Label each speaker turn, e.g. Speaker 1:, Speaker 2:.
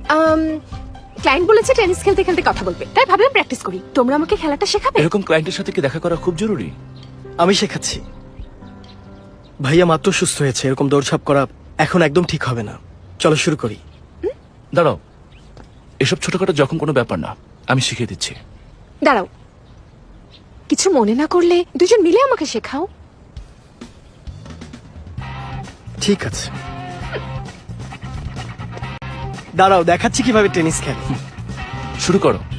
Speaker 1: Client বলেছে tennis খেলতে খেলতে কথা বলবে, তাই ভাবলাম প্র্যাকটিস করি। তোমরা আমাকে খেলাটা শেখাবে?
Speaker 2: এরকম ক্লায়েন্টের সাথে কি দেখা করা খুব জরুরি?
Speaker 3: আমি শেখাচ্ছি। ভাইয়া মাত্র সুস্থ হয়েছে, এরকম দৌড়ঝাঁপ করা এখন একদম ঠিক হবে না। চলো শুরু করি।
Speaker 2: দাঁড়াও, এসব ছোটখাটো যখন কোনো ব্যাপার না, আমি শিখিয়ে দিচ্ছি।
Speaker 1: দাঁড়াও, কিছু মনে না করলে দুজন মিলে আমাকে শেখাও।
Speaker 3: ঠিক আছে, দাঁড়াও দেখাচ্ছি কিভাবে টেনিস খেলে।
Speaker 2: শুরু করো।